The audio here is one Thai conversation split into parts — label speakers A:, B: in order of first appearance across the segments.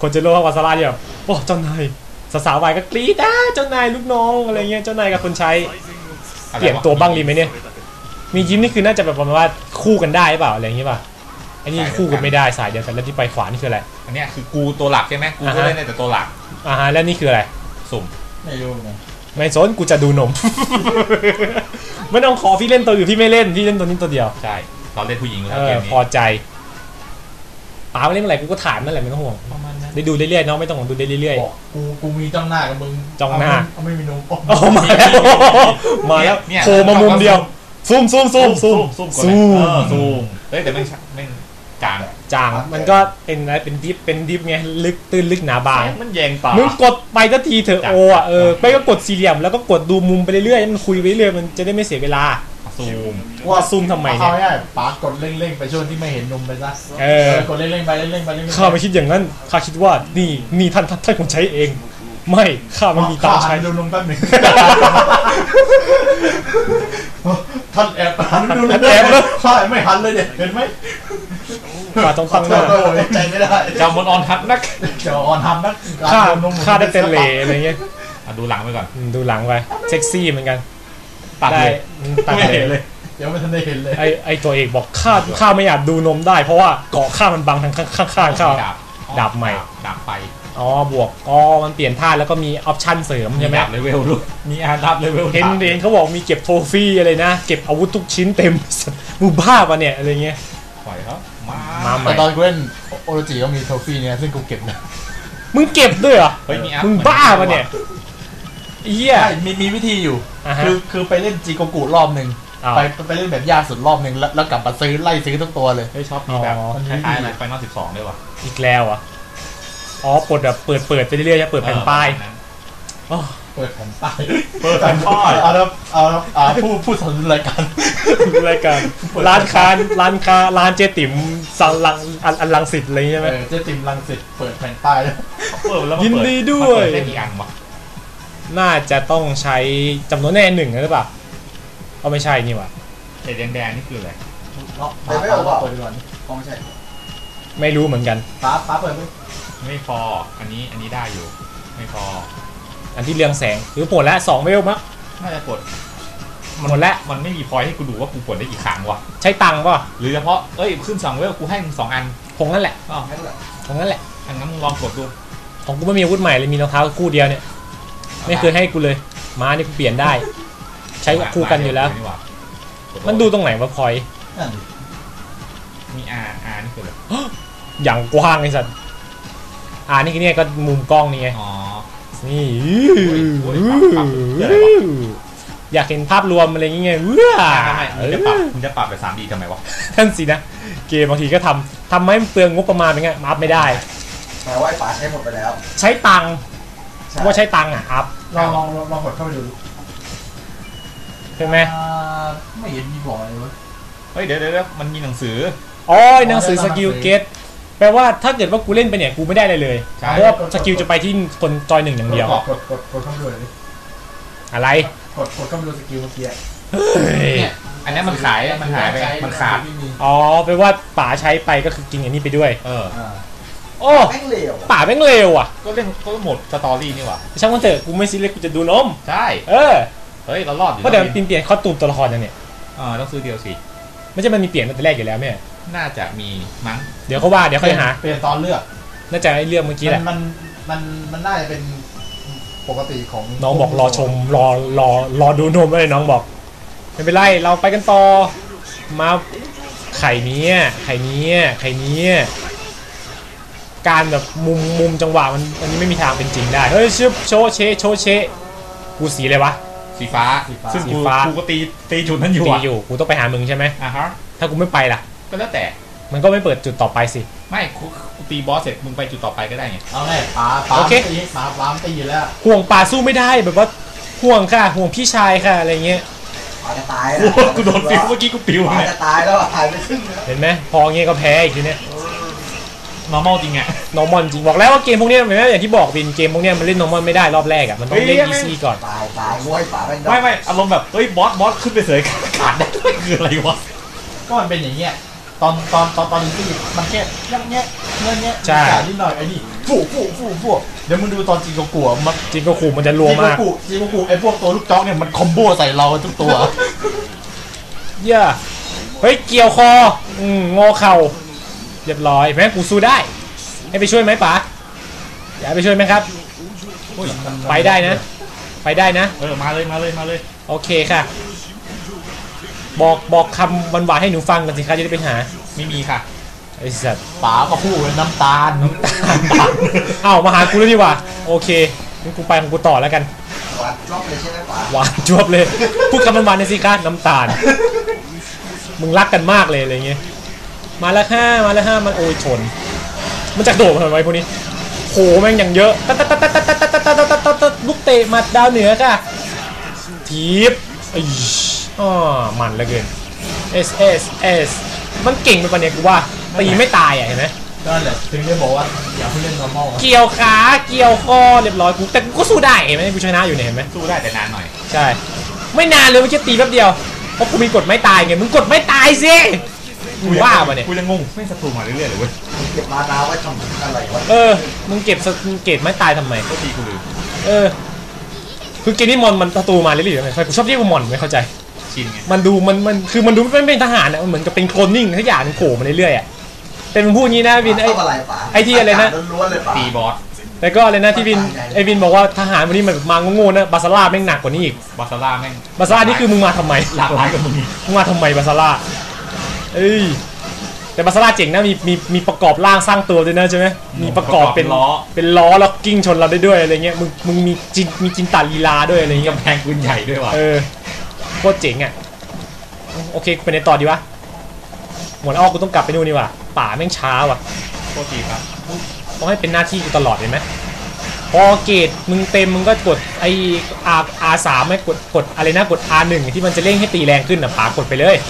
A: คนเจโร่วาซาร่าเนี่ยแบบโอ้เจ้านายสาวๆวายก็กรี๊ดเจ้านายลูกน้องอะไรเงี้ยเจ้านายกับคนใช้เปลี่ยนตัวบ้างดีไหมเนี่ยมียิ้มนี่คือน่าจะแบบประมาณว่าคู่กันได้เปล่าอะไรอย่างงี้ป่ะไอ้นี่คู่กันไม่ได้สายเดียวกันแล้วที่ไปขวานี่คืออะไร
B: อันนี้คือกูตัวหลักใช่ไหมกูก็เล่นในแต่ตัวหลัก
A: แล้วนี่คืออะไร
B: สุ่ม
C: ไม่รู้ไง
A: ไม่สนกูจะดูนมไม่ต้องขอพี่เล่นตัวอื่นพี่ไม่เล่นพี่เล่นตัวนี้ตัวเดียว
B: ใช่เราเล่นผู้หญิงแล้วเกมนี้
A: พอใจป๋าไม่เล่นเมื่อไหร่กูก็ถามนั่นแหละไม่ต้องห่วงได้ดูเรื่อยๆน้องไม่ต้องห่วงดูได้เรื่อย
C: ๆกูมีจ้องหน้ากับมึง
A: จ้องหน้า
C: ไม่มีนม
A: มาแล้วโผล่มามุมเดียวซูม
B: เฮ้ยแต่ไม่จาง
A: มันก็เป็นอะไรเป็นดิฟไงลึกตื้นลึกหนาบาง
B: มันแยงตา
A: มึงกดไปทันทีเถอะโอ้ไปก็กดสี่เหลี่ยมแล้วก็กดดูมุมไปเรื่อยๆมันคุยไปเรื่อยมันจะได้ไม่เสียเวลาซูมทำไมเนี่ย
C: ป๋ากดเร่งๆไปช่วงที่ไม่เห็นนมไปซะกดเร่งๆไป
A: ข้าไม่คิดอย่างนั้นข้าคิดว่านี่ท่านคนใช้เองไม่ข้ามันมีตาใช้
C: ดูนมแป๊บนึงท่านแอบดูนมแล้วข้าไม่หันเลยเนี่ยเห็นไหม
A: ข้าต้องตั้งหน้า
C: ใจไม่ได้
B: เจ้ามันออนทับนัก
A: ข้าได้เต้นเล่อะไรเงี้ย
B: ดูหลังไปก่อน
A: ดูหลังไปเซ็กซี่เหมือนกัน
B: ตัด
C: ไม่เห็นเลยเดี๋ยวไม่ทันได้เห็นเลย
A: ไอตัวเอกบอกข้าไม่อยากดูนมได้เพราะว่าเกาะข้ามันบังทางข้างข้าดาบใหม่
B: ดาบไป
A: บวกมันเปลี่ยนท่าแล้วก็มีออปชั่นเสริมใช่ไหม
B: ดาบเลเวลด้วยมีดาบเลเวล
A: เห็นเขาบอกมีเก็บโทฟี่อะไรนะเก็บอาวุธทุกชิ้นเต็มมูบ้าปะเนี่ยอะไรเงี้ย
B: ปล่อยเขา
C: แต่ตอนกูเล่นโอโรจิก็มีโทฟี่เนี่ยซึ่งกูเก็บนะ
A: มึงเก็บด้วยเหรอมึงบ้าปะเนี่ยเหี้ย
C: มีวิธีอยู่คือไปเล่นจีโกกุรอบนึงไปเล่นแบบยากสุดรอบนึงแล้วกลับมาไล่ซื้อทุกตัวเลย
B: ชอบมีแบบคล้ายๆไฟนอล12ด้วยวะ
A: อีกแล้วอ่ะเปิดแบบเปิดไปเรื่อยๆจะเปิดแผ่นป้าย
C: เปิดแผ่นป้ายเอาพูดสอนรายการ
A: ร้านร้านเจ๊ติ๋มสังลังสิตอะไรใช่ไหม
C: เจ๊ติ๋มลังสิตเปิดแผ่นป้ายแล้ว
A: ยินดีด้วย
B: ได้กี่อันวะ
A: น่าจะต้องใช้จำนวนแน่1หรือเปล่าไม่ใช่นี่วะ
B: แดงนี่คืออะไร
C: ไม่เอาเปิดก่อนไม่ใช่
A: ไม่รู้เหมือนกัน
C: ป้าเปิด
B: ไม่พออันนี้ได้อยู่ไม่พอ
A: อันที่เรืองแสงหรือปวดแล้ว2เวลมั้ง
B: น่าจะปวด
A: หมดแล้ว
B: มันไม่มีพอยให้กูดูว่ากูปวดได้กี่ครั้งวะ
A: ใช้ตังค์ป่ะ
B: หรือเฉพาะขึ้น2เวลกูให้มึง2อัน
A: คงนั่นแหละคงนั่นแหละ
B: อันนั้นมึงลองกดดู
A: ของกูไม่มีอาวุธใหม่เลยมีรองเท้าคู่เดียวเนี่ยไม่เคยให้กูเลยม้านี่กูเปลี่ยนได้ใช้คู่กันอยู่แล้วมันดูตรงไหนวะพอย
B: มีนี่คืออะไร
A: อย่างกว้างไอ้สัตว์นี่คือเนี่ยก็มุมกล้องนี่ไงนี่อยากเห็นภาพรวมอะไรเงี้ย
B: มึงจะปรับไป 3D ทำไมวะ
A: ท่านสินะเกมบางทีก็ทำให้เปลืองงบประมาณเป็นไงอัพไม่ได้
C: แต่ว่าไอ้ป๋าใช้หมดไปแล้ว
A: ใช้ตังค์ว่าใช้ตังค์อัพ
C: ลองกดเข้าไปดู
A: ใช่ไหม
C: ไม่เห็นมีบอกเลยวะ
B: เดี๋ยวมันมีหนังสือ
A: หนังสือสกิลเกตแปลว่าถ้าเกิดว่ากูเล่นไปเนี่ยกูไม่ได้อะไรเลยเพราะว่าสกิลจะไปที่คนจอย1อย่างเดียว
C: กดเข้าไปดูเลย
A: อะไร
C: กดเข้าไปดูสกิลเมื่อกี้
B: เนี่ยอันนี้มันหายไปมันขาด
A: แปลว่าป๋าใช้ไปก็คือกินอย่างนี้ไปด้วย
C: แม่งเลว
A: ป๋าแม่งเลวอ่ะ
B: ก็เล่นก็หมดสตอรี่นี่หว่า
A: ช่างมันเถอะกูไม่ซีเรียสกูจะดูนม
B: ใช่เฮ้ยเรารอดอยู่
A: เพราะเดี๋ยวเปลี่ยนคอสตูมตัวละครยังเนี่ย
B: ต้องซื้อเดียวสิ
A: ไม่ใช่มันมีเปลี่ยนตั้งแต่แรกอยู่แล้วแม่
B: น่าจะมีมั้ง
A: เดี๋ยวเขาว่าเดี๋ยวค่อยหา
C: เปลี่ยนตอนเลือก
A: น่าจะไอ้เรื่องเมื่อกี้แหละ
C: มันน่าจะเป็นปกติของ
A: น้องบอกรอชมรอดูนมเลยน้องบอกไม่เป็นไรเราไปกันต่อมาไข่นี้การแบบมุมจังหวะมันอันนี้ไม่มีทางเป็นจริงได้เฮ้ยชิบโชเชกูสีอะไรวะ
B: สีฟ้าซึ่งกูก็ตีจุดนั้นอยู่
A: กูต้องไปหามึงใช่ไหมถ้ากูไม่ไปล่ะ
B: ก็แล้วแต่
A: มันก็ไม่เปิดจุดต่อไปสิ
B: ไม่กูตีบอสเสร็จมึงไปจุดต่อไปก็ได้ไง
C: เอาไงป๋าตีแล้ว
A: ห่วงป่าสู้ไม่ได้แบบว่าห่วงค่ะห่วงพี่ชายค่ะอะไรเงี้ย
C: จะตาย
B: กูโดนปิวเมื่อกี้กูปิว
C: เนี่ยจะตายแล้วหายไปครึ่ง
A: เห็นไหมพอเงี้ยก็แพ้อีกทีเนี้ย
B: normal จริงอะ
A: normal จริงบอกแล้วว่าเกมพวกนี้เหมือนอย่างที่บอกเป็นเกมพวกนี้มันเล่น normal ไม่ได้รอบแรกอะมันต้องเล่น easy ก่อน
C: ตายง่วยป่า
B: ไม่อารมณ์แบบเฮ้ยบอสขึ้นไปเสยขาดได้คืออะไรวะ
C: ก็มันเป็นอย่างเงี้ยตอนนี้ที่มันแค่ยังเงี้ยนิดหน่อยไอ้นี่ฟูเดี๋ยวมึงดูตอนจิงโกกุมัน
A: จิงโกคุมันจะรัวมาก
C: จิงโกกุไอ้พวกตัวลูกจ้องเนี่ยมันคอมโบใส่เราทุกตัว
A: เย้เฮ้ยเกี่ยวคองอเข่าเรียบร้อยแม่กูสู้ได้ให้ไปช่วยไหมป๋าอยากไปช่วยไหมครับไปได้นะ
C: มาเลย
A: โอเคค่ะบอกคำหวานๆให้หนูฟังกันสิคะจะได้ไปหา
C: ไม่มีค่ะ
A: ไอ้สัตว์
C: ป๋าก็พูดน้ำตาล
A: อ้าวมาหากูแล้วดีกว่าโอเคงั้นกูไปของกูต่อแล้วกัน
D: หวานจวบเลยใช่ไหมป๋า
A: หวานจวบเลยพูดคำหวานๆในอยสิคะน้ำตาลมึงรักกันมากเลยอะไรเงี้ยมาแล้วห้ามันโอ้ยชนมันจะโดดมาทำไมพวกนี้โหแม่งอย่างเยอะลูกเตะหมัดดาวเหนือค่ะทีบมันเหลือเกิน S มันเก่งไปปะเนี่ยกูว่าตีไม่ตายอ่ะเห็นไหม
C: นั่นแหละถึงได้บอกว่าอย่าเพิ่งเล่น normal
A: เกี่ยวขาเกี่ยวคอเรียบร้อยกูแต่กูก็สู้ได้เห็นไหมกูชนะอยู่เนี่ยเห็นไหม
B: สู้ได้แต่นานหน่อย
A: ใช่ไม่นานเลยมันแค่ตีแป๊บเดียวเพราะกูมีกดไม่ตายไงมึงกดไม่ตายสิกูว่าปะเนี่ย
B: กูจะงงไม่ศัตรูมาเรื่อยๆเลยเว้ย
D: เก็บมานาไว้ทำอะไรวะ
A: มึงเก็บไม่ตายทำไม
B: ก็ตีกูลืม
A: คือเกมนี้มอนมันศัตรูมาเรื่อยๆทำไมกูชอบเรียกว่ามอนไม่เข้าใจ
B: ชินไง
A: มันดูมันดูไม่เป็นทหารอ่ะมันเหมือนกับเป็นโคลนนิ่งทุกอย่างมันโผล่มาเรื่อยๆอ่ะเป็นมึงพูดงี้นะวินไอ้ที่อะไรนะ
B: ตีบอส
A: แล้วก็อะไรนะที่วินไอ้วินบอกว่าทหารวันนี้มันมาโง่ๆนะบาซาร่าแม่งหนักกว่านี้อีก
B: บาซาร่าแม่ง
A: บาซาร่านี่คือมึงมาทำไม
B: หลากหลายกับมึง
A: มาทำไมบาซาร่าแต่บาซาร่าเจ๋งนะมีประกอบร่างสร้างตัวด้วยนะใช่ไหมมีประกอบเป็นล้อแล้วกิ้งชนเราได้ด้วยอะไรเงี้ยมึงมีจินตาลีลาด้วยอะไรเงี้ย
B: กำแพงปืนใหญ่ด้วยว่ะ
A: โคตรเจ๋งอ่ะโอเคไปในต่อดีวะหมดอ้อกูต้องกลับไปนู่นนี่ว่ะป่าแม่งช้าว่ะ
B: โคตรดีครับ
A: ต้องให้เป็นหน้าที่กูตลอดเลยไหมพอเกตมึงเต็มมึงก็กดไอR3ไม่กดอะไรนะกด R1 ที่มันจะเร่งให้ตีแรงขึ้นอ่ะป่ากดไปเลย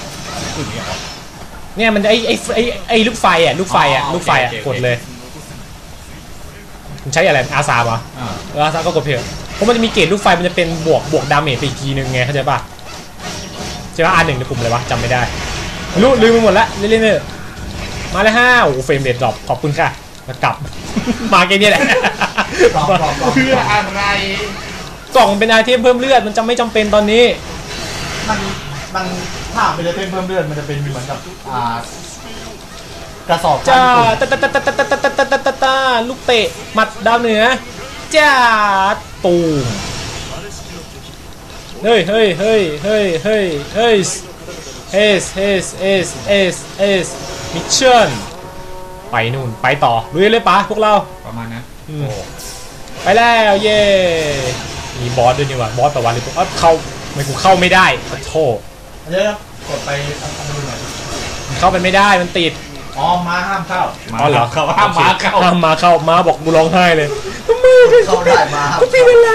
A: เนี่ยมันไอลูกไฟอ่ะกดเลยมึงใช้อะไร R3 เหรอR3 ก็กดเพียงเพราะมันจะมีเกตลูกไฟมันจะเป็นบวกดาเมจไปอีกทีนึงไงเข้าใจป่ะใช่ป่ะ R1 ในกลุ่มเลยวะจำไม่ได้ลืมไปหมดละเล่นๆมาเลยโอ้เฟรมเรทดรอปขอบคุณค่ะมากลับมาแค่นี้แหละ
B: เพื่ออะไร
A: กล่องเป็นไอเทมเพิ่มเลือดมันจะไม่จำเป็นตอนนี้
C: มันถ้าเป็นไอเทมเพิ่มเลือดมันจะเป็นเหมือนกับกระสอบ
A: จ้าลูกเตะหมัดดาวเหนือจ้าตูมเฮ้ยมิชชั่นไปนู่นไปต่อลุยเลยปะพวกเรา
B: ประมาณนั้น
A: ไปแล้วเย่มีบอสด้วยนี่วะบอสประวัติเลยเข้าไม่กูเข้าไม่ได้ขอโทษ
C: เดี๋ยวกดไปอันนู้นหน่อย
A: เข้าไปไม่ได้มันติด
C: ม้าห้ามเข้า
A: เหรอ
B: ห้ามม้า
A: เข้าม้าบอกกูร้องไห้เลย
D: เข้าได้ม้า
A: กูตีเป็นไร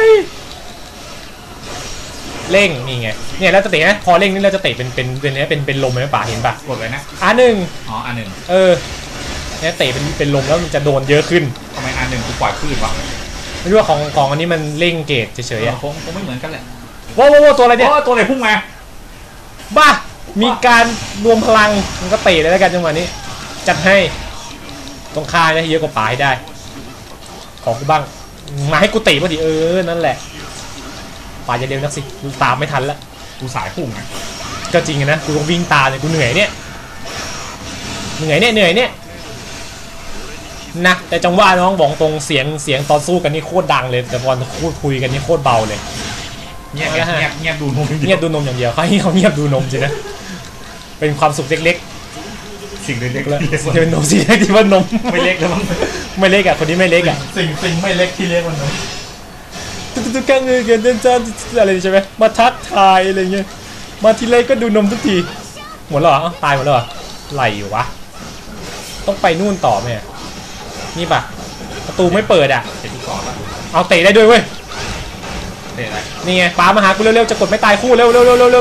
A: เร่งนี่ไงเนี่ยแล้วจะเตะนะพอเร่งนี่เราจะเตะเป็นลมไหมป่าเห็นป่ะ
B: กดเลยนะ
A: R1
B: R1
A: เนี่ยเตะเป็นลมแล้วมันจะโดนเยอะขึ้น
B: ทำไมR1กูปล่อยคลื่นวะ
A: ไม่รู้ว่าของอันนี้มันเร่งเกจเฉยๆอ่ะ
B: คงไม่เหมือนกันแหละ
A: ว้าวตัวอะไรเนี่ย
B: ตัวไหนพุ่งมา
A: บ้ามีการรวมพลังมันก็เตะเลยแล้วกันจังหวะนี้จัดให้ต้องฆ่าได้เยอะกว่าป่าให้ได้ขอกูบ้างมาให้กูเตะพอดีนั่นแหละป่าจะเร็วนักสิกูตามไม่ทันละ
B: กูสายพุ่งไง
A: ก็จริงนะกูต้องวิ่งตามเลยกูเหนื่อยเนี่ยนะแต่จังหวะน้องบอกตรงเสียงตอนสู้กันนี่โคตรดังเลยแต่ตอนคุยกันนี่โคตรเบาเลย
B: เงียบดูนม
A: อย่างเดียวเขาเงียบดูนมจริงนะเป็นความสุขเล็ก
B: ๆสิ่งเล็กๆ
A: แล้วเป็นนมสิ่งเล็กที่ว่านม
B: ไม่เล็กแล้วมั้ง
A: ไม่เล็กอ่ะคนนี้ไม่เล็กอ่ะ
C: สิ่งไม่เล็กที่เล็กมันนม
A: ตุ๊กกันเลยกันเจ้าอะไรใช่ไหมมาทักทายอะไรเงี้ยมาทีไรก็ดูนมทุกทีหมดแล้วเหรอตายหมดแล้วเหรอไหลอยู่วะต้องไปนู่นต่อไหมนี่ป่ะประตูไม่เปิดอ่ะเอาเตะได้ด้วยเว้ยนี่ไงป๋ามาหากูเร็วๆจะกดไม่ตายคู่เร็ว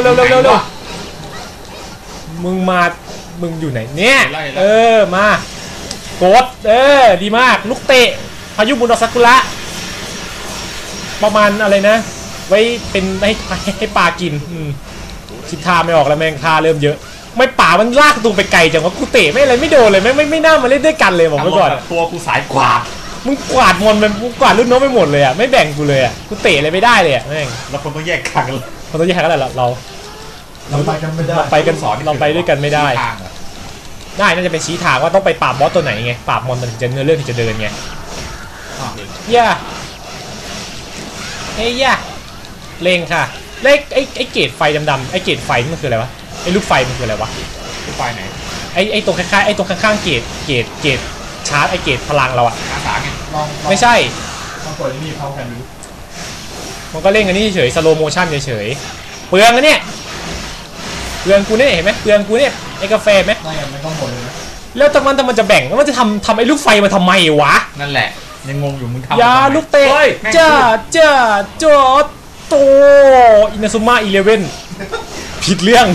A: มึงอยู่ไหนเนี่ยมากดดีมากลูกเตะพายุบุญดอกซากุระประมาณอะไรนะไว้เป็นให้ปลากินคิดท่าไม่ออกแล้วแมงท่าเริ่มเยอะไม่ป่ามันลากตูไปไกลจังวะกูเตะไม่อะไรไม่โดนเลยไม่น่ามาเล่นด้วยกันเลยบอกไว้ก่อน
B: ตัวกูสายกว่า
A: มึงกวาดมอนมันมึงกวาดรุ่นน้องไปหมดเลยอ่ะไม่แบ่งกูเลยอ่ะกูเตะอะไรไม่ได้เลยอ่ะแม่ง
B: แล้วคนต้องแยกทางกัน
A: เราต้องแยกกันแล้วเรา
C: ไปกันไม่ได้
A: เราไปกันเราไปด้วยกันไม่ได้
B: ทางอะ
A: ได้น่าจะเป็นชี้ทางว่าต้องไปปราบบอสตัวไหนไงปราบมอนมันถึงจะเนื้อเรื่องถึงจะเดินไง
B: อ้าว
A: ย่าเฮ้ยย่าเลงค่ะเลขไอ้เกตไฟดำๆไอ้เกตไฟนี่มันคืออะไรวะไอ้ลูกไฟมันคืออะไรวะ
B: ที่ไฟไหน
A: ไอ้ตรงข้างๆไอ้ตรงข้างๆเกตชาร์จไอ้เกตพลังเราอะ
B: อาสาไง
C: ลอง
A: ไม่ใช่
C: ลองกดนี่เขากันดู
A: มันก็เล่นกันนี่เฉยสโลโมชั่นเฉยเปลืองอะเนี่ยเปลืองกูเนี่ยเห็นไหมเปลืองกูเนี่ยไอ้กาแฟไหม
C: ไม่งั้นมันก็หมดเลยนะ
A: แล้วแต่มันจะแบ่งแล้วมันจะทำไอ้ลูกไฟมาทำไมวะ
B: นั่นแหละยังงงอยู่มึงทำ
A: ยา
B: ทำไม
A: ลูกเตะ
B: ฮ้ยแม่ง
A: จ้าจอดโตอินาซุมะ11ผิดเรื่อง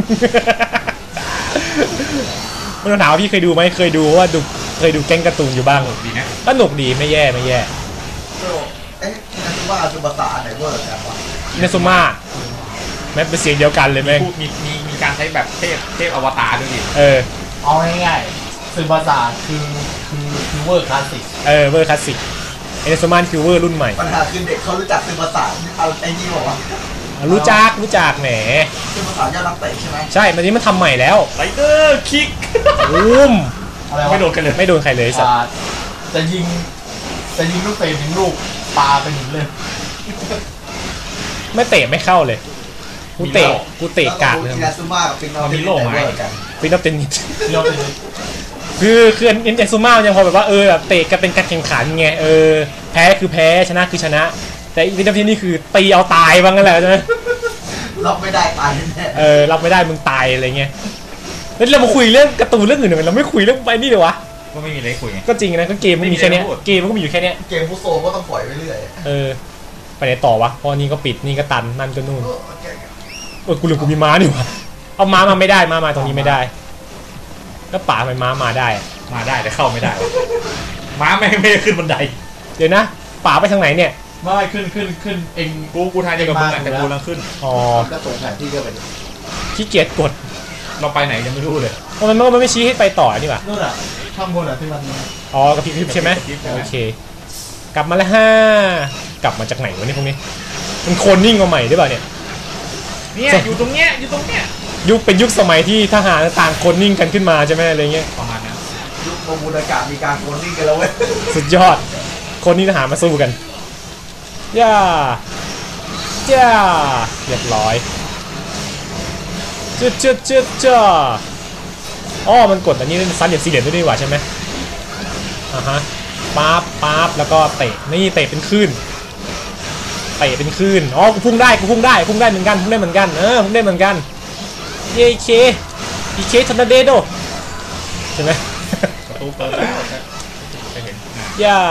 A: มันถามว่าพี่เคยดูไหมเคยดูว่าเคยดูแก๊งการ์ตูนอยู่บ้าง
B: ดีนะ
A: ก็หนุกดีไม่แย่
D: เอ๊ะนั่นคือว่าคือภาษาไหนเวอร์กันวะ
A: อินาซุมะแม้เป็นเสียงเดียวกันเลยแม่ง
B: พูดมีการใช้แบบเทพอวตารด้วยดิ
C: เอาง่ายๆซึมภาษาคือเวอร์คลาสสิก
A: เวอร์คลาสสิกอินาซุมะคือเวอร์รุ่นใหม่
D: ปัญหาคือเด็กเขารู้จักคือภาษาเอาไอ้นี่บอกว่า
A: รู้จักแหม
D: คือภาษายอดนักเตะใช่ไหม
A: ใช่มันนี้มันทำใหม่แล้ว
B: ไรเดอร์คิก
A: อุ้ม
C: อะไรวะ
B: ไม่โดนกันเลย
A: ไม่โดนใครเลยสัตว์
C: จะยิงลูกเตะถึงลูกปลาไปหนึ่งเลย
A: ไม่เตะไม่เข้าเลยกูเตะกากเลย
D: อินาซุมากับปิงนอติไหนเวอร์กัน
A: ฟินอฟเทนนิส
C: เรียกไปเลย
A: คือเอ็นซูมายังพอแบบว่าแบบเตะกันเป็นการแข่งขันไงแพ้คือแพ้ชนะคือชนะ แต่วินเทอร์ที่นี่คือตีเอาตายบ้างนั่นแหละใช่ไหม
D: รับไม่ได้ตายแน่
A: รับไม่ได้มึงตายอะไรเงี้ยแล้วเรามาคุยเรื่องการ์ตูนเรื่องอื่นหน่อยเราไม่คุยเรื่องไปนี่เลยวะ
B: ก็ไม่มีอะไรคุยไง
A: ก็จริงนะก็เกมมันมีแค่เนี้ยเกมมันก็มีอยู่แค่เนี้ย
D: เกมฟุตโซก็ต้องปล่อยไปเรื่อย
A: ไปไหนต่อวะเพราะนี่ก็ปิดนี่ก็ตันนั่นก็นู่น กูลืมกูมีม้านี่วะเอาม้ามาไม่ได้มาตรงนี้ไม่ได้แล้วป่าทำไมม้ามาได้
B: มาได้แต่เข้าไม่ได้ ม้าไม่ได้ขึ้นบันได
A: เดี๋ยวนะป่าไปทางไหนเนี่ย
C: ไม่ขึ้นเอง
B: กูทายเดียวกับมึงอะแต่กูกำลังขึ้น
A: อ๋อ
D: ก็ส่งแผนที่ก็ไป
A: ขี้เกียจกด
B: เราไปไหนยังไม่รู้เลย
A: เพราะมันไม่ชี้ให้ไปต่อนี่หว่า
C: นู่นอ่ะข้างบนอ่ะที่มัน
A: อ๋อกระพริบใช่ไหมโอเค กลับมาแล้วกลับมาจากไหนวะเนี่ยพวกนี้ มันโคนนิ่งมาใหม่หรือเปล่าเนี่ย
B: เนี่ยอยู่ตรงเนี้ย
A: เป็นยุคสมัยที่ทหารต่างโคนนิ่งกันขึ้นมาใช่ไหมอะไรเงี้ย
B: ประมาณนั้น
D: ยุคโมบูลากามีการโคลนนิ่งกันแล้วเว้ย
A: สุดยอด คนนิ่งทหารมาสู้กันย่าเรียบร้อยจ้าอ๋อมันกดอันนี้ซันเหลี่ยมสี่เหลี่ยมด้วยนี่หว่าใช่ไหมฮะปั๊บแล้วก็เตะนี่เตะเป็นคลื่นอ๋อกูพุ่งได้เหมือนกันพุ่งได้เหมือนกันพุ่งได้เหมือนกันเย้อีเคทอร์นาเดโดใช่ไหม
B: ประตูเปิดแล้วจะเห็น
A: ย่า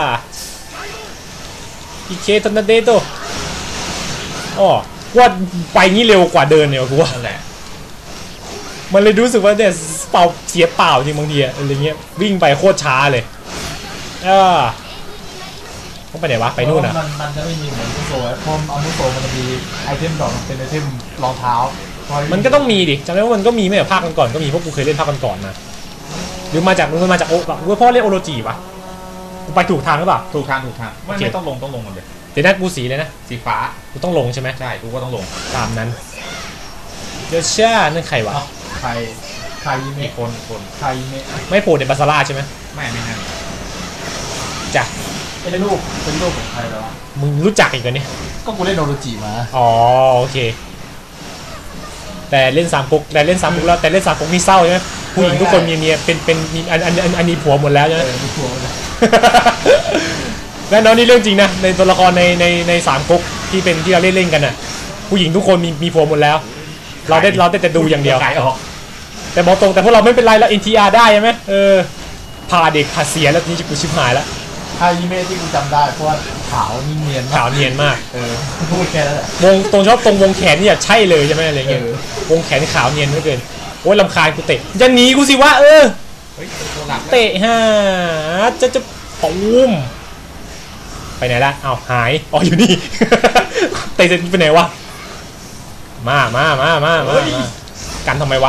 A: อีเคทอร์นาเดโดอ๋อว่าไปงี้เร็วกว่าเดินเนี่ยกูว่า
B: นั่นแหละ
A: มันเลยรู้สึกว่าเนี่ยเสียเปล่าจริงบางทีอะไรเงี้ยวิ่งไปโคตรช้าเลยต้องไปไหนวะไปนู่นอ่ะ
C: มันจะไม่มีเหมือนมุโซเพราะเอามุโซมันจะมีไอเทมดอกเป็นไอเทมรองเท้า
A: มันก็ต้องมีดิจำได้ว่ามันก็มีไม่แบบภาคก่อนๆก็มีเพราะกูเคยเล่นภาคก่อนๆนะหรือมาจากโอแบบพ่อเล่นโอโรจิวะกูไปถูกทางหรือเปล่า
B: ถูกทางไม่ต้องลงหมดเลย
A: เดี๋ยวนัดกูสีเลยนะ
B: สีฟ้า
A: กูต้องลงใช่ไหม
B: ใช่กูก็ต้องลง
A: ตามนั้นเดี๋ยวเช่นั่นใครวะ
C: ใครยิเม
B: อี
C: ะ
B: กคน
C: ใครยิเมะ
A: ไม่โผล่ในบาซาร่าใช่ไหม
B: ไม่นั่น
A: จ้ะ
C: เป็นรูปของใครแล้ว
A: มึงรู้จักอีกเหรอเนี่ย
C: ก็กูเล่นโนโรจิมา
A: อ๋อโอเคแต่เล่น3 ก๊กแล้วแต่เล่น3 ก๊กนี่เศร้าใช่ไหมผู้หญิงทุกคนมีเมียเป็นมีอันนี้ผัวหมดแล้วใช่ไหม
C: มีทัวร์เลย
A: และน้องนี่เรื่องจริงนะในตัวละครใน3 ก๊กที่เราเล่นกันน่ะผู้หญิงทุกคนมีผัวหมดแล้ว เราได้แต่ดูอย่างเดียว
B: ขายออก
A: แต่บอกตรงแต่พวกเราไม่เป็นไรแล้ว NTR ได้ใช่ไหมพาเด็กพาเสียแล้วนี่กูชิบหายแล้ว
C: ใครยิเมะที่กูจำได้เพราะว่าขาวนิ่งเนียน
A: ขาวเนียนมาก
C: พูดแค่นั้นแหละ
A: วงตรงชอบตรงวงแขนนี่ใช่เลยใช่ไหมอะไรเงี้ย วงแขนขาวเนียนเหลือเกินโอ้ยลำคาญกูเตะจะหนีกูสิวะ
B: เฮ้ยตัวหลัก
A: เตะฮะจะปูมไปไหนละอ้าวหายอ๋ออยู่นี่ เตะเสร็จไปไหนวะมากันทำไมวะ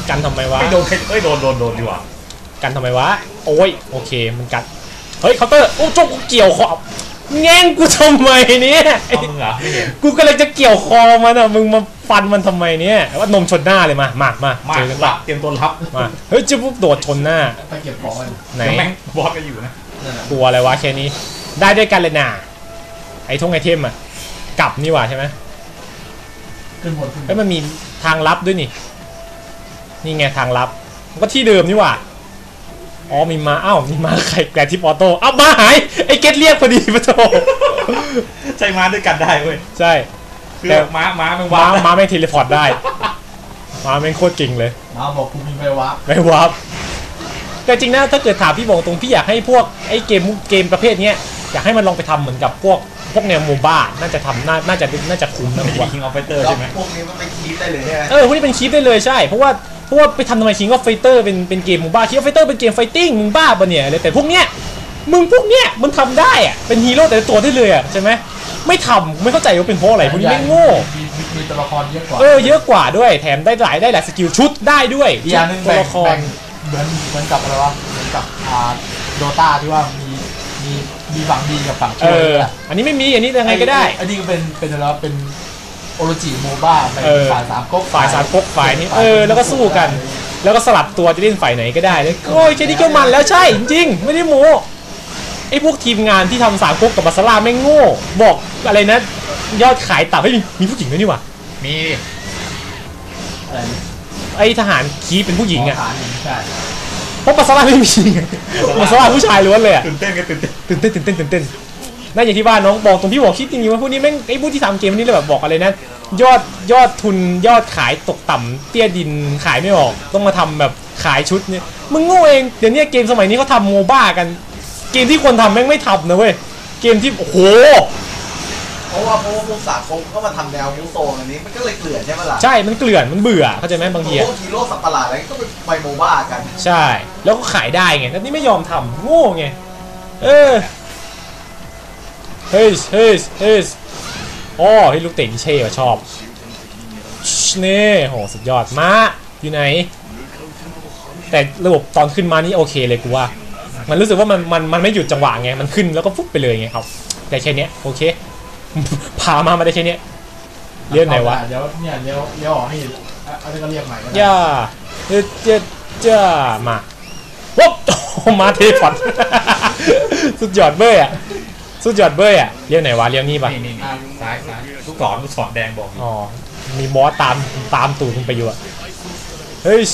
A: กันทำไมวะ
B: ไม่โดนโดนดีกว่า
A: กันทำไมวะโอ้ยโอเคมันกันเฮ้ยเคาน์เตอร์โอ้โจกูเกี่ยวคอแง่งกูทำไมเนี่ย
B: เอามึงเหรอไม่เห็น
A: กูก็เลยจะเกี่ยวคอมันอ่ะมึงมาฟันมันทำไมเนี่ยว่านมชนหน้าเลยมาเจอกัน
B: หลับเตรียมตัวรับ
A: มาเฮ้ยจะปุ๊บโดดชนหน้า
C: ไปเก็บของกัน
A: ไหน
B: แม่งบอสก็อยู่นะ
A: กลัวอะไรวะแค่นี้ได้ด้วยกันเลยน่ะไอ้ทงไอเทมอ่ะกลับนี่หว่าใช่ไหม
C: ขึ้นบน
A: เฮ้ยมันมีทางลับด้วยนี่ไงทางลับมันก็ที่เดิมนี่หว่าอ๋อมีมาอ้าวมีมาใครแกรทิปออโต้อ้าวมาหายไอ้เกตเรียกพอดีปะโถ
B: ใช้ม้าด้วยกันได้เว้ย
A: ใช่
B: คือม้ามัน
A: ม้า
B: ว้าว
A: ม้าแม่งเทเลพอร์ตได้ม้าแม่งโคตรเก่งเลย
C: มาบอกกูมีไปวะ
A: ไม่วับแต่จริงนะถ้าเกิดถามพี่บอกตรงพี่อยากให้พวกไอ้เกมประเภทเนี้ยอยากให้มันลองไปทำเหมือนกับพวกแนวโมบ้าน่าจะทำน่าจะคุ้มนะผมว่า
B: คิงออฟไฟเตอร์
D: แล้ว
B: ใช่ไหม
D: พวกนี้มันไปคีบได้เลยใช่ไหม
A: พวกนี้เป็นคลิปได้เลยใช่เพราะว่าไปทำทำไมคิงก็ไฟเตอร์เป็นเกมโมบ้าคิงก็ไฟเตอร์เป็นเกมไฟติ้งมึงบ้าปะเนี่ยเลยแต่พวกเนี้ยมันทำได้อะเป็นฮีโร่แต่ละตัวได้เลยอะใช่ไหมไม่ทำไม่เข้าใจว่าเป็นเพราะอะไรพวกนี้ไม่โง่
C: มีตัวละครเยอะกว่า
A: เยอะกว่าด้วยแถมได้หลายสกิลชุดได้ด้วย
C: อีกอย่างหนึง
A: ตัว
C: แบ่ง
A: ละคร
C: เหมือนกับอะไรวะเหมือนกับโดตาที่ว่ามีฝั่งดีกับฝั่งชั่วอะ
A: อันนี้ไม่มีอันนี้ยังไงก็ได้
C: อันนี้ก็เป็นอะไรวะเป็นโอโรจิโมบ้าในฝ่ายสามก๊ก
A: ฝ่ายสามก๊กฝ่ายนี้แล้วก็สู้กัน แล้วก็สลับตัวจะเล่นฝ่ายไหนก็ได้เลยโอ้ยแค่นี้ก็มันแล้วใช่จริงๆไม่ได้โม้ไอ้พวกทีมงานที่ทำสามก๊กกับบาสลาแม่งโง่บอกอะไรนะยอดขายต่ำเฮ้ยมีผู้หญิงด้วยนี่หว่า
B: มี
C: อะไร
A: ไอ้ทหารคีเป็นผู้หญิงอ่ะ
C: ฐานหญิงใช่
A: เพราะบาสลาไม่มีบาสลาผู้ชายล้วนเลยอะ
B: ตื่นเต้นกันตื่นเต้น
A: ตื่นเต้นนั่นอย่างที่ว่าน้องบอกตรงที่บอกคิดจริงๆว่าพวกนี้แม่งไอ้พวกที่ทำเกมนี้เลยแบบบอกอะไรนะยอดทุนยอดขายตกต่ำเตี้ยดินขายไม่ออกต้องมาทำแบบขายชุดเนี่ยมึงโง่เองเดี๋ยวนี้เกมสมัยนี้เขาทำโมบ้ากันเกมที่ควรทำแม่งไม่ทำนะเว้ยเกมที่โอ้โห
D: เพราะว่าพวกสากลก็มาทำแนวมูโซนอันนี้มันก็เลยเกลื่อนใช่ไหมล่ะ
A: ใช่มันเกลื่อนมันเบื่อเข้าใจไหมบางที
D: พวกฮีโร่สัตว์ประหลาดอะไรก็ไปโมบ้ากัน
A: ใช่แล้วก็ขายได้ไงแล้วนี่ไม่ยอมทำโง่ไงเฮ้ยอ๋อเฮ้ยลูกเตะที่เช่ชอบนี่โหสุดยอดมาอยู่ไหนแต่ระบบตอนขึ้นมานี่โอเคเลยกูว่ามันรู้สึกว่ามันไม่หยุดจังหวะไงมันขึ้นแล้วก็ฟุบไปเลยไงครับแต่แค่นี้โอเค พามาได้แค่นี้เรียกไหนวะ
C: เดี๋ยวเนี่ยเลี้ยวออกให้อะไรก็เรียกใหม่ก็ได้
A: ย่าจ้ามาวุ๊บ มาเทพอด สุดยอดเบ้ยอ่ะเรียกไหนวะเรียกนี่ปะ
B: นี่ซ้ายลูกศรแดงบอกอยู่
A: อ๋อมีบอสตามตูดมึงไปอยู่อ่ะเฮ้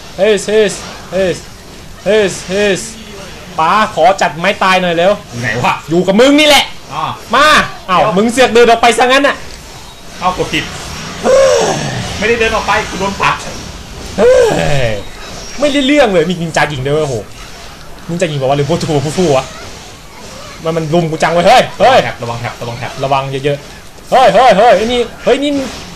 A: ยป้าขอจัดไม้ตายหน่อยเร็ว
B: อยู่ไหนวะ
A: อยู่กับมึงนี่แหละ
B: อ๋อ
A: มาเอ้ามึงเสือกเดินออกไปซะงั้นอ่ะ
B: เอากดผิดไม่ได้เดินออกไปกูโดนปัด
A: เฮ้ยไม่ได้เรื่องเลยมีนินจาหญิงด้วยโอ้โหนินจาหญิงบอกว่าหรือพวกทูฟูวะมันลุมกูจังไว้เฮ้ย
B: ระวังแท็บ
A: ระวังเยอะๆเฮ้ยไอ้นี่เฮ้ยนี่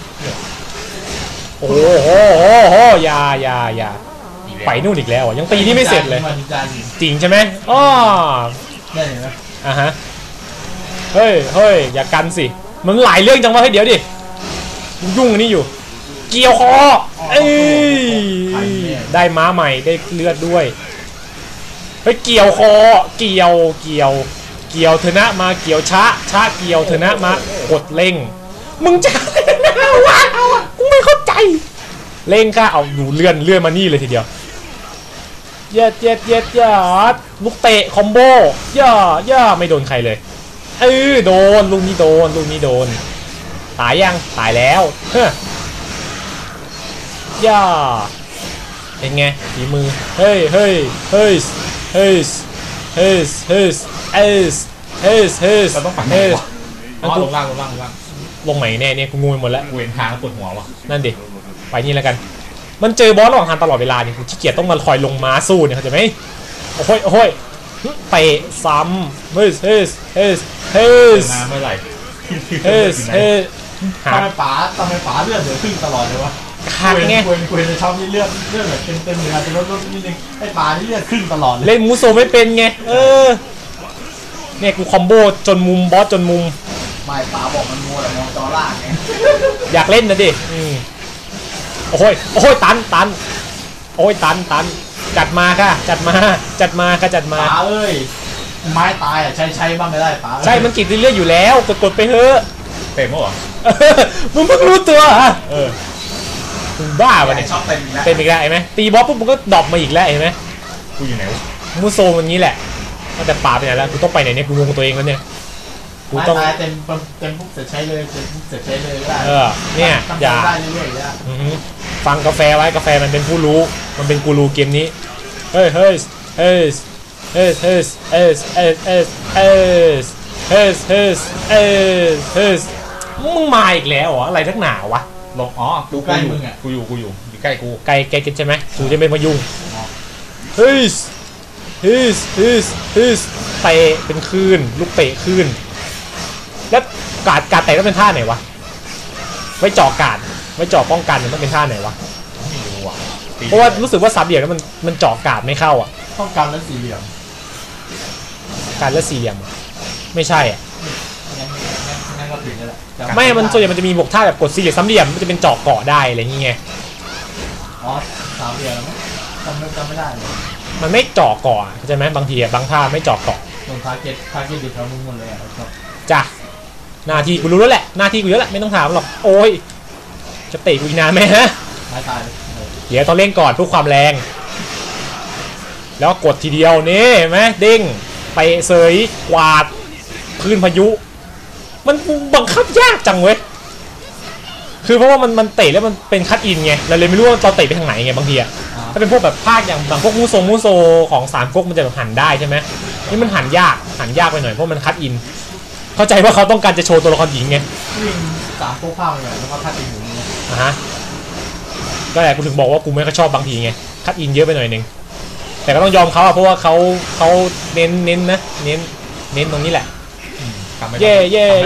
A: โอ้โหอย่าไปนู่นอีกแล้วอ่ะยังตีนี่ไม่เสร็จเลย จริงใช่ไหมอ้อ
C: ได้ไหม
A: อ่ะฮะเฮ้ยอย่ากันสิมันหลายเรื่องจังวะเฮ้ยเดี๋ยวดิยุ่งอันนี้อยู่เกี่ยวคอเอ้ยได้ม้าใหม่ได้เลือดด้วยเฮ้ยเกี่ยวคอเกี่ยวเธอนะมาเกี่ยวช้าเกี่ยวเธอนะมากดเร่งมึงจะว้าวกูไม่เข้าใจเร่งค่ะเอาอยู่เลื่อนมานี่เลยทีเดียวเย็ดลูกเตะคอมโบย่าไม่โดนใครเลยโดนลูกนี้โดนตายยังตายแล้วเฮ้ยย่าเป็นไงฝีมือเฮ้ย
B: เราต้องปั่นไหนวะอ๋อลงล่าง
A: ลงไหนแน่เนี่ยกูงูไปหมดแล้ว
B: กูเห็นทางแล้วปวดหัววะ
A: นั่นดิไปนี่แล้วกันมันเจอบอสระหว่างทางตลอดเวลาเนี่ยกูขี้เกียจต้องมาคอยลงม้าสู้เนี่ยเข้าใจไหมโอ้ยเตะซ้ำเฮ้ย
B: น้ำเมื่อไหร่
A: หา
C: ทำไมป๋าเลือดเดือดขึ้นตลอดเลยวะ
A: ขาดไง
C: เวนในช่องนี่เลือดแบบเต็มเลยอาจจะลดนิดนึงไอ้ป๋านี่เลือดขึ้นตลอดเลย
A: เล่นมูโซไม่เป็นไงเนี่ยกูคอมโบจนมุมบอสจนมุม
D: ไม่ป๋าบอกมันมัวแต่มองจอล่างไง
A: อยากเล่นนะดิโอ้ยตันโอ้ยตันจัดมาค่ะจัดมาค่ะจัดมา
C: ป๋าเอ้ยไม้ตายอ่ะใช้บ้างก็ได้ป๋า
A: ใช่มันกินเรื่อยๆอยู่แล้วกดไปเถอะ
B: เต็มมั้งเหรอ
A: มึงเพิ่งรู้ตัวมึงบ้าปะเนี่ย
D: ชอบเต็มอีกแล้ว
A: เป็นอีกแล้วเห็นไหมตีบอสปุ๊บมึงก็ดรอปมาอีกแล้วเห็นไหม
B: กูอยู่ไหนวะ
A: มูโซมันงี้แหละแต่ป่าไปไหนแล้วกูต้องไปไหนเนี่ยกูงงตัวเองแล้วเนี่ยกู
C: ไม้
A: ต้อง
C: ตายเต็มปุ๊บเสร็จใช้เลยเต็มปุ๊บเสร็จใช้เลยก็ได้
A: เนี่ย
C: ทำ
A: อย่า
C: ได้เรื่อยๆแล้ว
A: อือฮึฟังกาแฟไว้กาแฟมันเป็นผู้รู้มันเป็นกูรูเกมนี้เฮ้ยมึงมาอีกแล้วเหรออะไรทักหนาวะ
B: ลงอ๋อ
C: ดูใกล้มึงอ่ะ
B: กูอยู่ใกล้กู
A: ไกลกันใช่ไหมกูจะไม่มายุ่งเตะเป็นคลื่นลูกเตะคลื่นแล้วการเตะต้องเป็นท่าไหนวะไว้จ่อกาดไว้จ่อป้องกันมันต้องเป็นท่าไหนวะ
B: ไม่รู้อ่ะ
A: เพราะว่ารู้สึกว่าสามเหลี่ยมแล้วมันจ่อกาดไม่เข้าอ่ะ
C: ต้องการแล้วสี่เหลี่ยม
A: การละสี่เหลี่ยมไม่ใช่อ่ะ
C: งั้นก็ถึงแล้วแหละ
A: ไม่มันส่วนใหญ่มันจะมีบวกท่าแบบกดสี่เหลี่ยมสามเหลี่ยมมันจะเป็นจ่อเกาะได้อะไรอย่างเงี้ย
C: อ๋อสามเหลี่ยมแล้วจำไม่ได้เลย
A: มันไม่จ่อเกาะเข้าใจไหมบางทีบางท่าไม่จ่อเกาะ
C: ตรงทาร์เก็ตอยู่แถวมึงหมดเลยอ่ะครับ
A: จ้ะหน้าที่กูรู้แล้วแหละหน้าที่กูเยอะแหละไม่ต้องถามหรอกโอ้ยจะเตะกูอีกนานไหมฮะ
C: ไม้ตายเลย
A: เดี๋ยวต้องเล่นก่อนเพื่อความแรง แล้วกดทีเดียวนี่เห็นไหมเด้งไปเสยกวาดพื้นพายุ มันบังคับยากจังเว้ยคือเพราะว่ามันเตะแล้วมันเป็นคัตอินไงเราเลยไม่รู้ว่าเราเตะไปทางไหนไงบางทีอะถ้าเป็นพวกแบบภาคอย่างบางพวกมูโซของสามก๊กมันจะแบบหันได้ใช่ไหมนี่มันหันยากไปหน่อยเพราะมันคัตอินเข้าใจว่าเขาต้องการจะโชว์ตัวละครหญิงไง
C: วิ่งสามโค้งข้าวเลยแล้วก็ทัดอีกหนึ่งเนี่ย
A: ฮะก็แหละกูถึงบอกว่ากูไม่ค่อยชอบบางทีไงคัตอินเยอะไปหน่อยนึงแต่ก็ต้องยอมเขาอะเพราะว่าเขาเน้นนะเน้นตรงนี้แหละเย่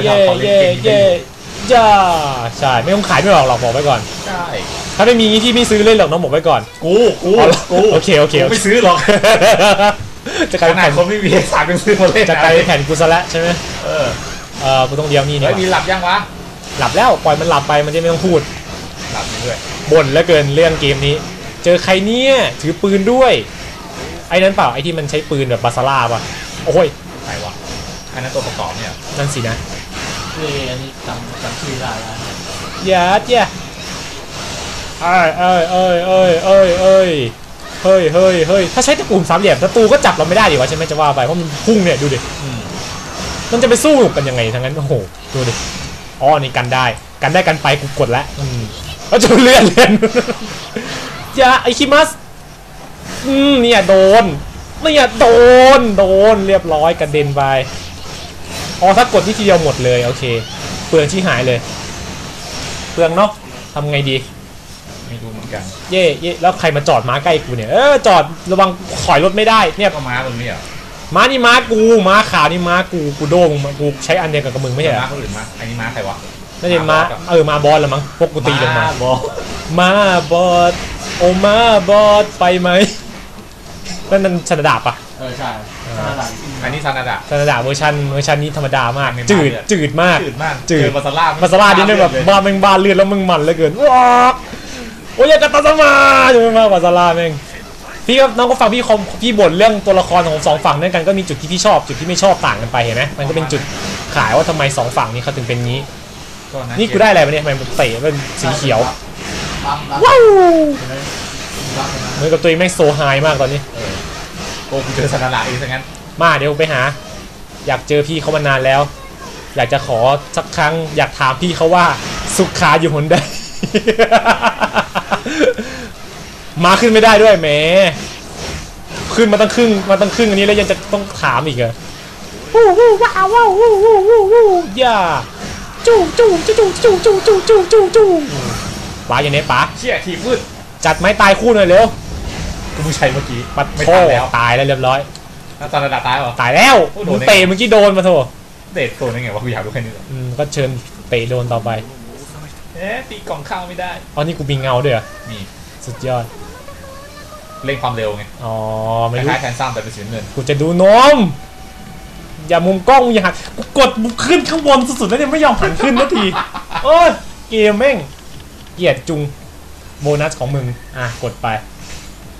A: จ้าใช่ไม่ต้องขายไม่ออกหรอกบอกไว้ก่อน
B: ใช่
A: ถ้าไม่มีที่ไม่ซื้อเล่นหรอกน้องบอกไว้ก่อน
B: กู
A: โอเค
B: ไม่ซื้อหรอก
A: จะกลาย
B: ข
A: เป็น
B: นาด
A: แผ่น
B: คนไม่มีเอกสารเป็นซื้อมาเล่น
A: จะกลายเป็นแผ่นกูซะแล้วใช่ไหม กูต้องเดียวนี่
B: เฮ้ยมีหลับยังวะ
A: หลับแล้วปล่อยมันหลับไปมันจะไม่ต้องพูด
B: หลับด้วย
A: บ่นแล้วเกินเรื่องเกมนี้ เจอใครเนี่ยถือปืนด้วยไอ้นั้นเปล่าไอ้ที่มันใช้ปืนแบบบาซาร่าป่ะโอ้ย
B: ไหนวะอันนั้นตัวประกอบเนี่ย
A: นั่นสินะ
C: อันนี้จำชื่อได้แล้ว
A: อย่าเฮ้ยถ้าใช้ตะกูลสามเหลี่ยมตะตูก็จับเราไม่ได้ดิวะใช่ไหมจะว่าไปเพราะมันพุ่งเนี่ยดูดิมันจะไปสู้กันยังไงทั้งนั้นโอ้โหดูดิอ๋อนี่กันได้กันไปกูกดแล้วแล้วจะเลื่อน อย่าไอคิมัสเนี่ยโดนเรียบร้อยกระเด็นไปอ๋อถ้ากดที่ทีเดียวหมดเลยโอเคเปลืองที่หายเลยเปลืองเนาะทำไงดี
B: ไม่รู้เหมือนกัน
A: เย่แล้วใครมาจอดม้าใกล้กูเนี่ยจอดระวังถอยรถไม่ได้เนี่ย
B: ก็ม้ามึงนี่เหรอ
A: ม้านี่ม้ากูม้าขาวนี่ม้ากูโดมึงกูใช้อันเดียวกับมึงไม่ใช่เหร
B: ม้า
A: อ
B: คนอื่นม้าอันนี้ม้าใครวะ
A: น่าจะม้าม้าบอสละมั้งพวกกูตีลงมา
B: บอ
A: ม้าบอสโอม้าบอสไปไหมนั่นมันชนดาบปะ
C: ใช่
B: อันนี้ซานาดะ
A: ชนดาบเวอร์ชันนี้ธรรมดามาก
B: ไม่มาก
A: จืดมาก
B: เจอมาซาร่า
A: มาซาร่านี่แบบบ้าแม่งบ้าเลือดแล้วมึงมันเหลือเกินว้าโอ้ยกาตาสมาจะไม่มากกว่าซาร่าแม่งพี่ก็น้องก็ฟังพี่บ่นเรื่องตัวละครของสองฝั่งนั่นกันก็มีจุดที่พี่ชอบจุดที่ไม่ชอบต่างกันไปเห็นไหมมันก็เป็นจุดขายว่าทำไมสองฝั่งนี้เขาถึงเป็นงี้นี่กูได้อะไรมาเนี่ยทำไมมันเตะเป็นสีเขียวว้าวเหมือนกับตัวเองแม่งโซไฮมากตอนนี้
B: โอ้กูเจอซานาดะอีกซะงั้น
A: มาเดี๋ยวไปหาอยากเจอพี่เขามานานแล้วอยากจะขอสักครั้งอยากถามพี่เขาว่าสุขาอยู่หนใด มาขึ้นไม่ได้ด้วยแหมขึ้นมาตั้งครึ่งอันนี้แล้วยังจะต้องถามอีกเหรอว้าวย่าจูป๋าอย่างนี้ป๋า
B: เชี่ยทีมืด
A: จัดไม้ตายคู่หน่อยเร็ว
B: กูไม่ใช่เมื่อกี้
A: ปัด
B: ไม่
A: โถ
B: ทันแล้ว
A: ตายแล้วเรียบร้อย
B: แล้วซานาดะตายเหรอ
A: ตายแล้ว
B: โอ้โด
A: มึ
B: น
A: ง
B: ได้
A: เตะเมื่อกี้โดนมาโถ
B: เดทโซนยังไงวะกูอยากรู้แค่นี้
A: ก็เชิญเตะโดนต่อไป
B: ตีกล่องข้าวไม่ได้
A: อ๋อนี่กูมีเงาด้วยเหรอ
B: มี
A: สุดยอด
B: เร่งความเร็วไง
A: อ๋อ
B: ค
A: ไม่รู้
B: ล้ายๆแทนซ้ำแต่เป็นสีเงิน
A: กูจะดูนมอย่ามุมกล้องอย่าหันกูกดบุกขึ้นข้างบนสุดๆแล้วเนี่ยไม่ยอมหันขึ้นนาทีโอ้ยเกมแม่งเกลียดจุงโบนัสของมึงกดไป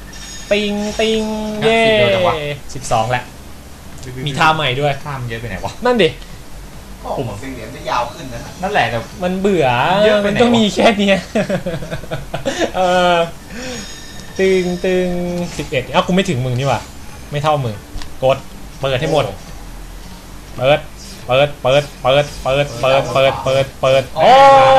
A: ติงติงเย่12แหละมีท่าใหม่ด้วย
B: ท่ามันเยอะไปไหนวะ
A: นั่นดิ
D: ผมสีเหรียญจะยาวขึ้นนะ
B: นั่นแหละแต่
A: มันเบื่อ
B: เยอะไปไหนวะ
A: มันก็มีแค่เนี้ยตึงตึง11เอ้ากูไม่ถึงมึงนี่หว่าไม่เท่ามึงกดเปิดให้หมดเปิดโอ้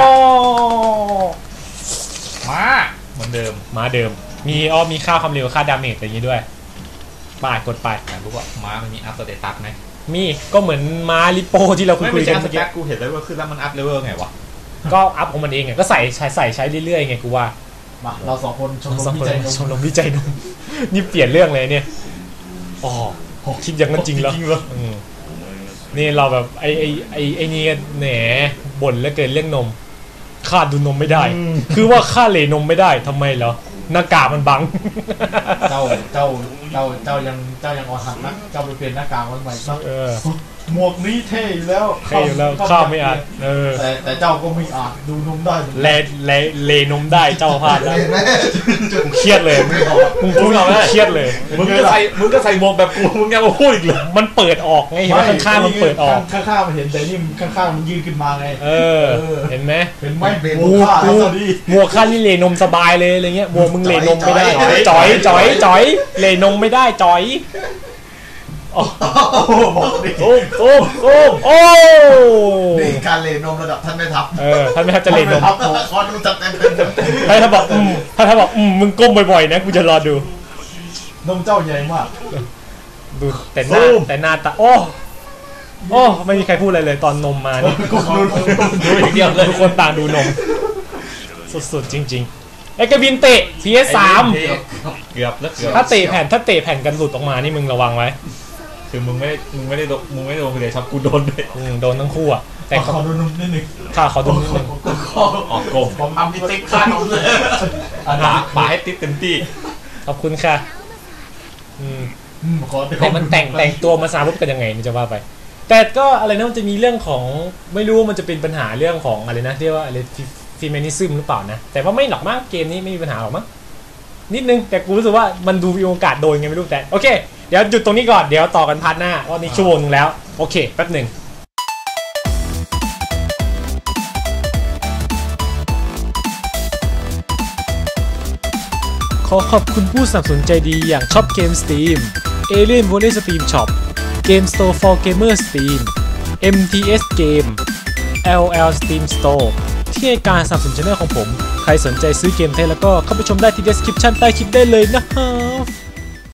B: มาเหมือนเดิม
A: มาเดิมมีค่าความเร็วค่าดาเมจอะไรอย่างงี้ด้วยปาดกดไป
B: แต่รู้ว่าม้ามันมีอัพสเตตัสไหม
A: มีก็เหมือนม้าลิโปที่เราคุ
B: ไม่
A: ย
B: ใช่
A: กัน
B: อัพส
A: เมื่อ
B: เต
A: กี้
B: ตัสกูเห็นแล้วว่าขึ้นแล้วมันอัพเลเวลไงวะ
A: ก็อัพของมันเองไงก็ใช้เรื่อยๆไงกูว่า
C: มาเรา2 คนชมรม
A: สอง
C: วิ
A: คน
C: จัยน
A: ชมรมวิจัยนมนี่เปลี่ยนเรื่องเลยเนี่ยอ๋อคิดอย่างนั้นจริงแล้วนี่เราแบบไอ้นี่แหนบ่นแล้วเกินเรื่องนมข้าดูนมไม่ได้ คือว่าข้าเหลนมไม่ได้ทำไมเหรอหน้ากากมันบัง
C: เจ้ายังอ่อนหัดนะเจ้าไปเปลี่ยนหน้ากากมันใหม่ซะหมวกนี้เท่อยู่แล้ว
A: ใช่แล้วข้าไม่อาจ
C: แต่เจ้าก็ไม่อาจดูนมได้
A: เลนมได้เจ้าพลาดแล้วกูเครียดเลยมึงพูดเราแล้วเครียดเลย
B: มึงก็ใส่หมวกแบบกูมึงยังมาพูดอีกเหรอ
A: มันเปิดออกไงเห็นไหมข้างๆมันเปิดออก
C: ข้างๆมันเห็นแต่นี่ข้างๆมันยืนขึ้นมาไง
A: เห็นไหม
C: เห็นไหมหมวกข้าแล้วดี
A: หมวกข้านี่เลนมสบายเลยอะไรเงี้ยหมวกมึงเลนมไม่ได้จ่อยเลนมไม่ได้จ่อยโอ้โอ้
D: นี่การเลนมระดับท่านไม่ทับ
A: ท่านไม่ทับจะเลนม
D: ทับผมคอนดูจัดเต็ม
A: ถ้าบอกมึงก้มบ่อยๆนะกูจะรอดู
C: นมเจ้าใหญ่มาก
A: ดูแต่หน้าตาโอ้ไม่มีใครพูดอะไรเลยตอนนมมานี่ดูอย่างเดียวเลยทุกคนต่างดูนมสุดๆจริงๆไอ้กระบินเตะ PS3
B: เกือบ
A: ถ้าเตะแผ่นกันหลุดออกมานี่มึงระวังไว้
B: คือมึงไม่ได้โดนคนเดียวชอบกูโดนด้วย
A: โดนทั้งคู่อ่ะแต่
C: ขอดูนมนิดนึง
A: ขอดูนิดนึง
B: ออกโกง
D: ผมทำพิติ๊กข้านมเลย
B: ป๋าให้ติ๊บเต็มที่
A: ขอบคุณค่ะแต่มันแต่งตัวมาซาปุ๊บกันยังไงนี่จะว่าไปแต่ก็อะไรนะมันจะมีเรื่องของไม่รู้มันจะเป็นปัญหาเรื่องของอะไรนะเรียกว่าอะไรฟีเมนิซึมหรือเปล่านะแต่ว่าไม่หรอกมั้งเกมนี้ไม่มีปัญหาหรอกมั้งนิดนึงแต่กูรู้สึกว่ามันดูมีโอกาสโดนไงไม่รู้แต่โอเคเดี๋ยวหยุดตรงนี้ก่อนเดี๋ยวต่อกันพาร์ทหน้าว่านี่ชั่วโมงนึงแล้วโอเคแป๊บหนึ่งขอขอบคุณผู้สนับสนุนใจดีอย่างช็อปเกม Steam Alien Volley Steam Shop Game Store for Gamer Steam MTS Game LL Steam Store ที่ให้การสนับสนุนช่องของผมใครสนใจซื้อเกมไทยแล้วก็เข้าไปชมได้ที่ description ใต้คลิปได้เลยนะครับ